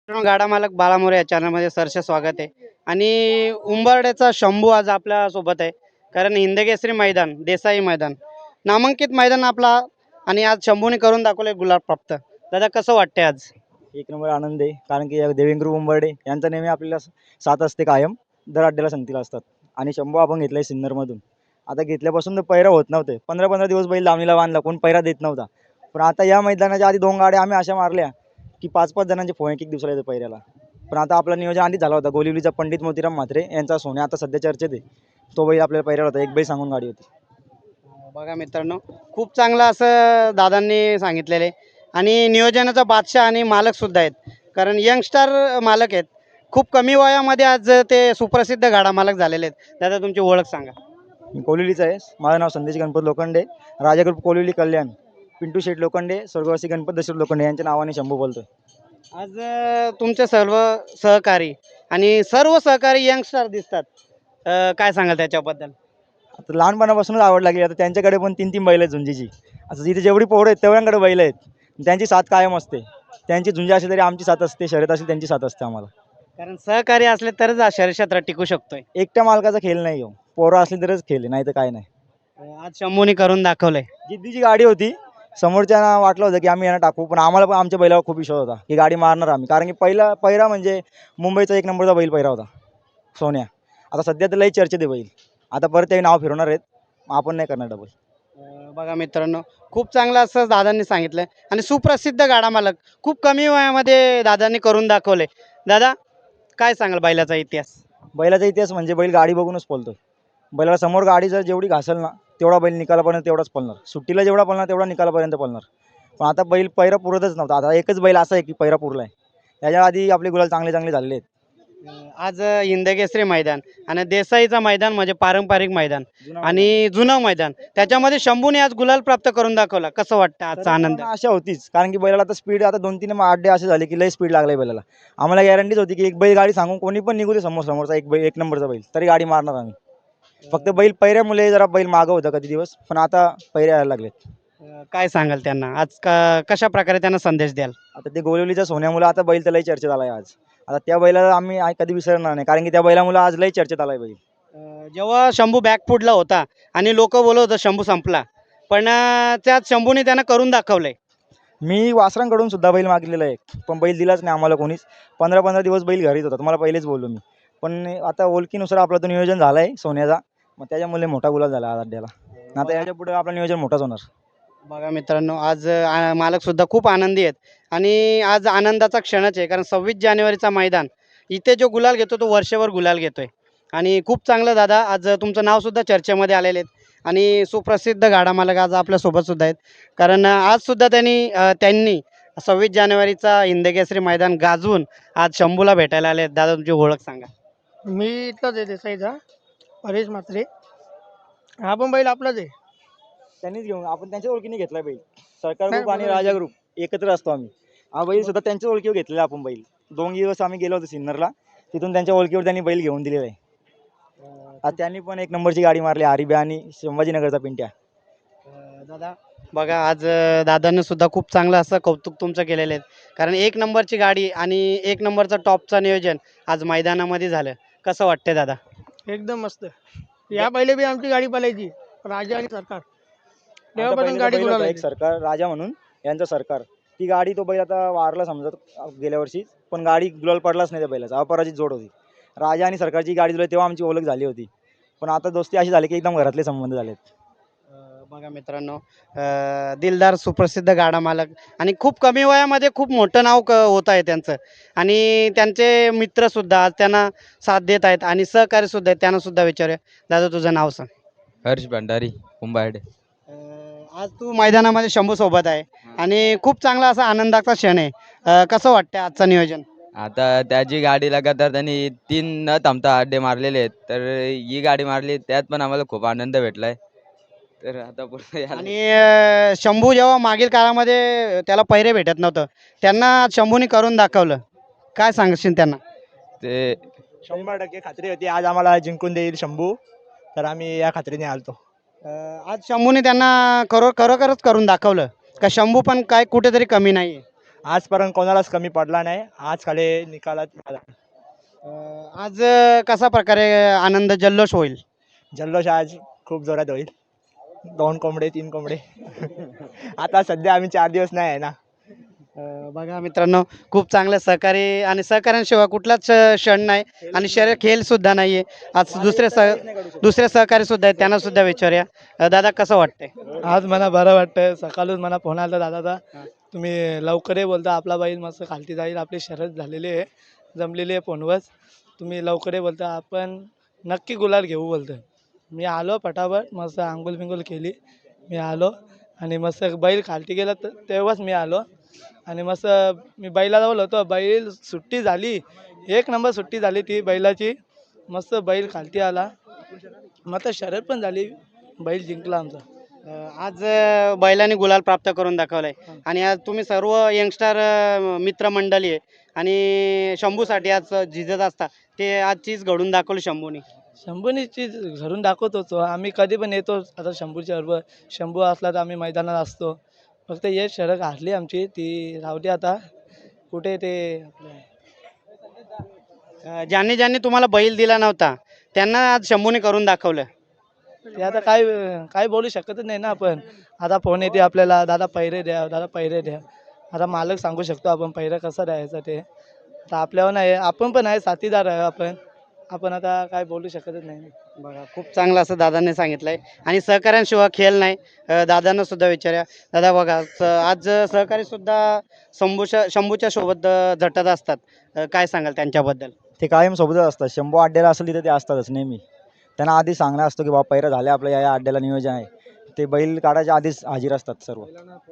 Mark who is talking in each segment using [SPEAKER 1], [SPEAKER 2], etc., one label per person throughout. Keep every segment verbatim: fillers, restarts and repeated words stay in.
[SPEAKER 1] मित्रांनो, गाडा मालक बाळा मोरे या चॅनलमध्ये सरसे स्वागत आहे. आणि उंबरड्याचा शंभू आज आपल्या सोबत आहे. कारण हिंदकेसरी मैदान, देसाई मैदान, नामांकित मैदान आपला. आणि आज शंभूने करून दाखवले गुलाब प्राप्त. दादा, कसं वाटतंय आज?
[SPEAKER 2] एक नंबर आनंद आहे, कारण की देवेंद्र उंबर्डे यांचा नेहमी आपल्याला साथ असते कायम. दर अड्ड्याला संगतीला असतात. आणि शंभू आपण घेतलाय सिन्नरमधून. आता घेतल्यापासून तर पैरा होत नव्हते. पंधरा पंधरा दिवस बैल लावणीला बांधला, कोण पैरा देत नव्हता. पण आता या मैदानाच्या आधी दोन गाड्या आम्ही अशा मारल्या की पाच पाच जणांचे फोन एक एक दिवसाला येतं पैऱ्याला. पण आता आपलं नियोजन आधीच झाला होता. गोलिवलीचा पंडित मोतीराम म्हात्रे यांचा सोन्या आता सध्या चर्चेत आहे. तो बैल आपल्याला पैऱ्याला होता, एक बैल सांगून गाडी होती.
[SPEAKER 1] बघा मित्रांनो, खूप चांगलं असं दादांनी सांगितलेलं आहे. आणि नियोजनाचा बादशाह आणि मालक सुद्धा आहेत. कारण यंगस्टर मालक आहेत. खूप कमी वयामध्ये आज ते सुप्रसिद्ध गाडा मालक झालेले आहेत. दादा, तुमची ओळख सांगा.
[SPEAKER 2] मी कोलिवलीचा आहे. माझं नाव संदेश गणपत लोखंडे, राजा ग्रुप कोलिवली कल्याण. पिंटू शेठ लोखंडे, स्वर्गवासी गणपत दशरथ लोखंडे यांच्या नावाने शंभू बोलतोय.
[SPEAKER 1] आज अ, तुमचे सर्व सहकारी आणि सर्व सहकारी यंगस्टर दिसतात. अ, काय सांगाल त्याच्याबद्दल?
[SPEAKER 2] आता लहानपणापासूनच आवड लागली. आता त्यांच्याकडे पण तीन तीन बैल आहेत झुंजीची. आता जिथे जेवढी पोरं आहेत तेवढ्यांकडे बैल आहेत. त्यांची साथ कायम असते. त्यांची झुंजी असेल तरी आमची साथ असते, शर्यत असेल त्यांची साथ असते आम्हाला.
[SPEAKER 1] कारण सहकारी असले तरच हा शहर क्षेत्रात टिकू शकतोय.
[SPEAKER 2] एकट्या मालकाचा खेळ नाही हो, पोरं असली तरच खेळ आहे, नाही तर काय नाही.
[SPEAKER 1] अ, आज शंभूने करून दाखवलंय.
[SPEAKER 2] जिद्दीची गाडी होती. समोरच्यांना वाटलं होतं की आम्ही यांना टाकू, पण आम्हाला पण आमच्या बैलावर खूप विश्वास होता की गाडी मारणार आम्ही. कारण की पहिला पहिरा म्हणजे मुंबईचा एक नंबरचा बैल पहिरा होता, सोन्या. आता सध्या तर लई चर्चेत आहे बैल. आता परत ते नाव फिरवणार आहेत. आपण नाही करणार डबल.
[SPEAKER 1] अ, बघा मित्रांनो, खूप चांगलं असं दादांनी सांगितलं. आणि सुप्रसिद्ध गाडा मालक खूप कमी वयामध्ये दादांनी करून दाखवले. दादा, काय सांगाल बैलाचा इतिहास?
[SPEAKER 2] बैलाचा इतिहास म्हणजे बैल गाडी बघूनच पळतो. बैलाला समोर गाडी जर जेवढी घासल ना तेवढा बैल निकालापर्यंत तेवढाच पळणार. सुट्टीला जेवढा पळणार तेवढा निकालापर्यंत पळणार. पण आता बैल पैरा पुरतच नव्हता. आता एकच बैल असा आहे की पैरा पुरला आहे. त्याच्या आधी आपले गुलाल चांगले चांगले झालेले आहेत.
[SPEAKER 1] अ, आज हिंदकेसरी मैदान आणि देसाईचं मैदान म्हणजे पारंपरिक मैदान आणि जुनं मैदान, त्याच्यामध्ये शंभूने आज गुलाल प्राप्त करून दाखवला. कसं वाटतं आजचा आनंद?
[SPEAKER 2] सर्वांना आशा होतीच, कारण की बैलाला आता स्पीड आता दोन तीन अड्डे असे झाले की लई स्पीड लागलाय बैलाला. आम्हाला गॅरंटीच होती की एक बैल गाडी सांगून कोणी पण निघू दे समोर समोरचा एक बैल एक नंबरचा बैल तरी गाडी मारणार आम्ही. फक्त बैल पैऱ्यामुळे जरा बैल मागं होता कधी दिवस, पण आता पैरे यायला लागलेत.
[SPEAKER 1] अ, काय सांगाल त्यांना आज? का कशा प्रकारे त्यांना संदेश द्याल?
[SPEAKER 2] आता ते गोलिवलीच्या सोन्यामुळे आता बैल तर लई चर्चेत आलाय आज. आता त्या बैलाला आम्ही आ- कधी विसरणार नाही, कारण की त्या बैलामुळे आज लई चर्चेत आलाय बैल.
[SPEAKER 1] अ, जेव्हा शंभू बॅकफुटला होता आणि लोक बोलत होतं शंभू संपला, पण अ, त्यात शंभूने त्यांना करून दाखवलंय.
[SPEAKER 2] मी वासरांकडून सुद्धा बैल मागलेला आहे, पण बैल दिलाच नाही आम्हाला कोणीच. पंधरा पंधरा दिवस बैल घरीच होता, तुम्हाला पहिलेच बोललो मी. पण आता ओळखीनुसार आपलं तो नियोजन झालं आहे सोन्याचा, मग त्याच्यामुळे मोठा गुलाल झाला आज अड्ड्याला. आता याच्या पुढे आपलं नियोजन मोठाच होणार.
[SPEAKER 1] बघा मित्रांनो, आज अ, मालक सुद्धा खूप आनंदी आहेत. आणि आज आनंदाचा क्षणच आहे. कारण सव्वीस जानेवारीचा मैदान इथे जो गुलाल घेतो तो वर्षभर गुलाल घेतोय. आणि खूप चांगलं दादा, आज तुमचं नाव सुद्धा चर्चेमध्ये आलेले आहेत. आणि सुप्रसिद्ध गाडा मालक आज आपल्यासोबत सुद्धा आहेत. कारण अ, आज सुद्धा त्यांनी अ, त्यांनी सव्वीस जानेवारीचा हिंदकेसरी मैदान गाजवून आज शंभूला भेटायला आले आहेत. दादा, तुमची ओळख सांगा.
[SPEAKER 3] मी इथलाच आहे देसाईचा, परेश म्हात्रे. हा पण बैल आपलाच आहे.
[SPEAKER 2] त्यांनीच घेऊन आपण त्यांच्या ओळखीने घेतला बैल. सरकार
[SPEAKER 3] नाही,
[SPEAKER 2] ग्रुप आणि
[SPEAKER 3] बरोबर.
[SPEAKER 2] राजा ग्रुप एकत्र असतो आम्ही. हा बैल सुद्धा त्यांच्या ओळखीवर घेतलेला आपण बैल. दोन दिवस आम्ही गेलो होतो सिन्नरला, तिथून त्यांच्या ओळखीवर त्यांनी बैल घेऊन दिलेला आहे. आज त्यांनी पण एक नंबरची गाडी मारली, आरिब्या आणि संभाजीनगरचा पिंट्या.
[SPEAKER 1] अ, दादा, बघा आज अ, दादांनी सुद्धा खूप चांगलं असं कौतुक तुमचं केलेलं आहे. कारण एक नंबरची गाडी आणि एक नंबरचं टॉपचं नियोजन आज मैदानामध्ये झालं. कसं वाटतंय दादा?
[SPEAKER 3] एकदम मस्त. या पहिले बी आमची गाडी पळायची, राजा आणि सरकार.
[SPEAKER 2] आमचा
[SPEAKER 3] तेव्हापासून
[SPEAKER 2] पहिलेचा
[SPEAKER 3] गाडी
[SPEAKER 2] बैल होता
[SPEAKER 3] गुलाल
[SPEAKER 2] एक सरकार राजा म्हणून, यांचा सरकार. ती गाडी तो बैल आता वारला समजत गेल्या वर्षी, पण गाडी गुलाल पडलाच नाही त्या बैलाचा. अपराजित जोड होती. राजा आणि सरकारची गाडी दिली तेव्हा आमची ओळख झाली होती. पण आता दोस्ती अशी झाली की एकदम घरातले संबंध झालेत.
[SPEAKER 1] अ, बघा मित्रांनो, अ, दिलदार सुप्रसिद्ध गाडा मालक आणि खूप कमी वयामध्ये खूप मोठं नाव क होत आहे त्यांचं. आणि त्यांचे मित्रसुद्धा आज त्यांना साथ देत आहेत आणि सहकारीसुद्धा आहेत. त्यांना सुद्धा विचारूया. दादा, तुझं नाव सांग.
[SPEAKER 4] हर्ष भंडारी कुंभारडे.
[SPEAKER 1] अ, आज तू मैदानामध्ये शंभू सोबत आहे आणि खूप चांगला असा आनंदाचा क्षण आहे. अ, कसं वाटतं आजचं नियोजन?
[SPEAKER 4] आता त्याची गाडी लगातार त्यांनी तीन न थांबता अड्डे मारलेले आहेत, तर ही गाडी मारली त्यात पण आम्हाला खूप आनंद भेटलाय. तर आता पुढे यायला-
[SPEAKER 1] आणि अ, शंभू जेव्हा मागील काळामध्ये त्याला पहिरे भेटत नव्हतं, त्यांना आज शंभूने करून दाखवलं. काय सांगशील त्यांना?
[SPEAKER 4] ते
[SPEAKER 2] शंभर टक्के खात्री होती आज आम्हाला जिंकून देईल शंभू, तर आम्ही या खात्रीने आलतो.
[SPEAKER 1] अ, आज शंभूने त्यांना खरो खरोखरच करून दाखवलं का शंभू पण काय कुठेतरी कमी नाही आहे.
[SPEAKER 2] आजपर्यंत कोणालाच कमी पडला नाही. आज खाली निकालात आला.
[SPEAKER 1] अं, आज अं, कसा प्रकारे आनंद जल्लोष होईल?
[SPEAKER 2] जल्लोष आज खूप जोरात होईल. दोन कोंबडे तीन कोंबडे आता सध्या आम्ही चार दिवस नाही आहे ना.
[SPEAKER 1] अं, बघा मित्रांनो, खूप चांगलं सहकारी आणि सहकाऱ्यांशिवाय कुठलाच अं, क्षण नाही आणि शरीर खेळ सुद्धा नाहीये. आज दुसरे सह दुसरे सहकारी सुद्धा आहेत, त्यांना सुद्धा विचारूया. अं, दादा कसं वाटतंय?
[SPEAKER 3] आज मला बरं वाटतंय. सकाळून मला फोन आला दादाचा, तुम्ही लवकर ये बोलता, आपला बैल मस्त खालती जाईल, आपली शरद झालेली आहे, जमलेली आहे फोनवर, तुम्ही लवकर ये बोलता, आपण नक्की गुलाल घेऊ बोलतोय. मी आलो फटाफट, मस्त आंघोळ बिंगोल केली, मी आलो आणि मस्त बैल खालती गेला तर तेव्हाच मी आलो आणि मस्त मी बैला जवळ होतो. बैल सुट्टी झाली, एक नंबर सुट्टी झाली ती बैलाची. मस्त बैल खालती आला, मग तर शर्यत पण झाली, बैल जिंकला आमचा.
[SPEAKER 1] अं, आज अं, बैलांनी गुलाल प्राप्त करून दाखवलाय आणि आज तुम्ही सर्व यंगस्टर मित्रमंडळी आहे आणि शंभूसाठी आज झिजत असता, ते आज चीज घडून दाखवली शंभूनी.
[SPEAKER 3] शंभूनी चीज घरून दाखवत होतो आम्ही, कधी पण येतो. आता शंभूच्या बरोबर शंभू असला तर आम्ही मैदानात असतो. फक्त हे शरद हारली आमची, ती राहते आता कुठे ते आपलं
[SPEAKER 1] अं, ज्यांनी ज्यांनी तुम्हाला बैल दिला नव्हता त्यांना आज शंभूने करून दाखवलं.
[SPEAKER 3] ते आता काय काय बोलू शकतच नाही ना आपण. आता फोन येते आपल्याला, दादा पैरे द्या, दादा पैरे द्या. आता मालक सांगू शकतो आपण पैरा कसा द्यायचा ते. आता आपल्यावर नाही, आपण पण आहे, साथीदार आहे आपण. आपण आता काय बोलू शकतच नाही.
[SPEAKER 1] बघा, खूप चांगलं असं दादांनी सांगितलंय आणि सहकाऱ्यांशिवाय खेळ नाही. अं, दादांना सुद्धा विचारूया. दादा बघा, स- आज सहकारी सुद्धा शंभूच्या शंभूच्या सोबत अं, झटत असतात. अं, काय सांगाल त्यांच्याबद्दल?
[SPEAKER 2] ते कायम सोबतच असतात. शंभू अड्ड्याला असेल तिथे ते असतातच नेहमी. त्यांना आधी सांगणं असतं की बाबा पैरा झाले आपलं, या या अड्ड्याला नियोजन आहे. ते बैल काढायच्या आधीच हजीर असतात सर्व.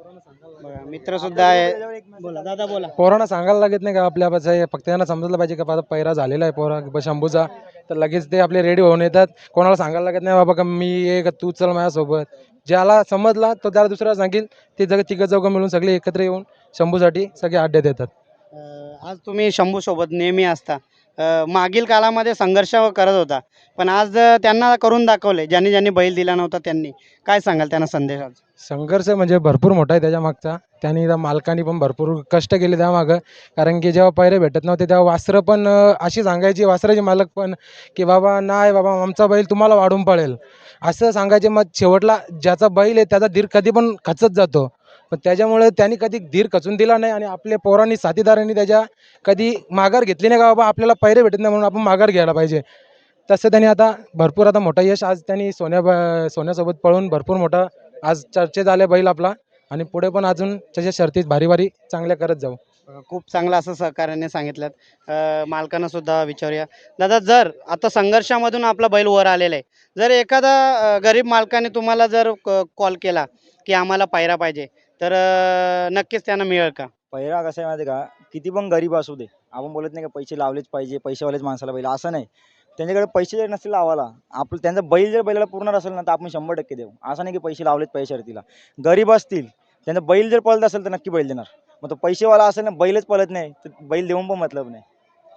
[SPEAKER 1] बघा, मित्र सुद्धा आहे. बोला दादा, बोला.
[SPEAKER 5] पोरांना सांगायला लागत नाही का आपल्या बस आहे, फक्त त्यांना समजलं पाहिजे का बाबा पैरा झालेला आहे पोरा ब- शंभूचा, तर लगेच ते आपले रेडी होऊन येतात. कोणाला सांगायला लागत नाही बाबा का मी ये का तू चल माझ्यासोबत. ज्याला समजला तो त्याला दुसऱ्याला सांगेल. ते जग तिघं चौघं मिळून सगळे एकत्र येऊन शंभूसाठी सगळे अड्ड्यात येतात.
[SPEAKER 1] अं, आज तुम्ही शंभू सोबत नेहमी असता. अं, मागील काळामध्ये संघर्ष करत होता, पण आज अं, त्यांना करून दाखवले. ज्यांनी ज्यांनी बैल दिला नव्हता त्यांनी. काय सांगाल त्यांना संदेश आज?
[SPEAKER 5] संघर्ष म्हणजे भरपूर मोठा आहे त्याच्या मागचा. त्यांनी त्या मालकांनी पण भरपूर कष्ट केले त्यामागं. कारण की जेव्हा पैरे भेटत नव्हते तेव्हा वासरं पण अं, अशी सांगायची, वासराचे मालक पण की बाबा नाही बाबा आमचा बैल तुम्हाला वाढून पळेल असं सांगायचे. मग शेवटला ज्याचा बैल आहे त्याचा धीर कधी पण खचत जातो, पण त्याच्यामुळे त्यांनी कधी धीर खचून दिला नाही आणि आपल्या पोरांनी साथीदारांनी त्याच्या कधी माघार घेतली नाही का बाबा आपल्याला पैरे भेटत नाही म्हणून आपण माघार घ्यायला पाहिजे. तसं त्यांनी आता भरपूर आता मोठा यश आज त्यांनी सोन्या ब- सोन्यासोबत पळून भरपूर मोठा आज चर्चेत आले बैल आपला आणि पुढे पण अजून त्याच्या शर्तीत भारी भारी चांगल्या करत जाऊ.
[SPEAKER 1] अं, खूप चांगलं असं सहकार्याने सांगितलं. अं, मालकांना सुद्धा विचारूया. दादा, जर आता संघर्षामधून आपला बैल वर आलेला आहे, जर एखादा अं, गरीब मालकाने तुम्हाला जर कॉल केला की आम्हाला पायरा पाहिजे, तर अं, नक्कीच त्यांना मिळेल का?
[SPEAKER 2] पैरा कसं आहे माहिती आहे का, किती पण गरीब असू दे, आपण बोलत नाही का पैसे लावलेच पाहिजे, पैसेवालेच माणसाला बैल, असं नाही. त्यांच्याकडे पैसे जर नसतील लावायला, आपलं त्यांचा बैल जर बैलाला पूर्ण असेल ना तर आपण शंभर टक्के देऊ. असं नाही की पैसे लावलेच पैसे शर्तीला. गरीब असतील, त्यांचा बैल जर पळत असेल तर नक्की बैल देणार. मग तो पैसेवाला असेल ना, बैलच पळत नाही तर बैल देऊन पण मतलब नाही.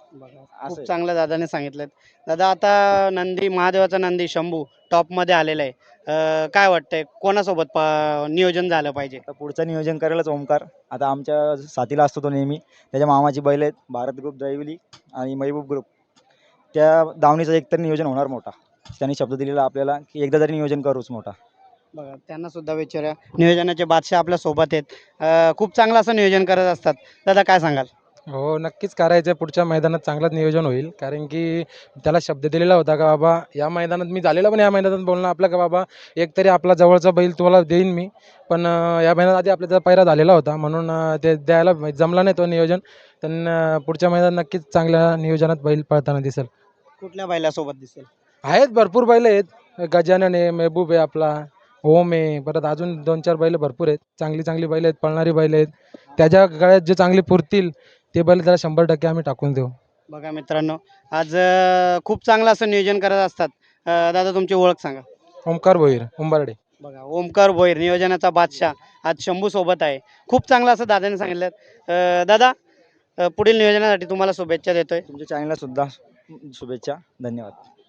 [SPEAKER 2] असं
[SPEAKER 1] खूप
[SPEAKER 2] आहे.
[SPEAKER 1] चांगलं दादाने सांगितलं. दादा, आता नंदी, महादेवाचा नंदी शंभू टॉपमध्ये आलेला आहे. अं, काय वाटतंय कोणासोबत प- नियोजन झालं पाहिजे?
[SPEAKER 2] आता पुढचं नियोजन करायलाच ओमकार. आता आमच्या साथीला असतो तो नेहमी. त्याच्या मामाची बैल आहेत, भारत ग्रुप दैवली आणि महबूब ग्रुप. त्या दावणीचं एकतर नियोजन होणार मोठा. त्यांनी शब्द दिलेला आपल्याला की एकदा तरी नियोजन करूच मोठा.
[SPEAKER 1] बघा, त्यांना सुद्धा विचारूया. नियोजनाचे बादशाह आपल्या सोबत आहेत. अं, खूप चांगलं असं नियोजन करत असतात. दादा, काय सांगाल?
[SPEAKER 5] हो नक्कीच करायचं. पुढच्या मैदानात चांगलंच नियोजन होईल. कारण की त्याला शब्द दिलेला होता का बाबा या मैदानात मी झालेला पण या मैदानात बोलणं आपलं का बाबा एकतरी आपला जवळचा बैल तुम्हाला देईन मी, पण अं, या मैदानात आधी आपल्याचा पैरा झालेला होता म्हणून अं, ते द्यायला जमला नाही तो नियोजन. त्यांना पुढच्या मैदानात नक्कीच चांगल्या नियोजनात बैल पळताना दिसेल.
[SPEAKER 1] कुठल्या बैलासोबत दिसेल?
[SPEAKER 5] आहेत भरपूर बैल आहेत. गजानन आहे, महबूब आहे आपला, ओम आहे, परत अजून दोन चार बैल भरपूर आहेत. चांगली चांगली बैल आहेत, पळणारी बैल आहेत. त्याच्या गळ्यात जे चांगली पुरतील ते बैल त्याला शंभर टक्के आम्ही टाकून देऊ.
[SPEAKER 1] बघा मित्रांनो, आज अं, खूप चांगलं असं नियोजन करत असतात. अं, दादा, तुमची ओळख सांगा.
[SPEAKER 5] ओमकार भोईर, उंबरडे.
[SPEAKER 1] बघा, ओमकार भोईर नियोजनाचा बादशाह आज शंभू सोबत आहे. खूप चांगलं असं दादाने सांगितलं. अं, दादा, अं, पुढील नियोजनासाठी तुम्हाला शुभेच्छा देतोय.
[SPEAKER 2] तुमच्या चॅनलला सुद्धा शुभेच्छा. धन्यवाद.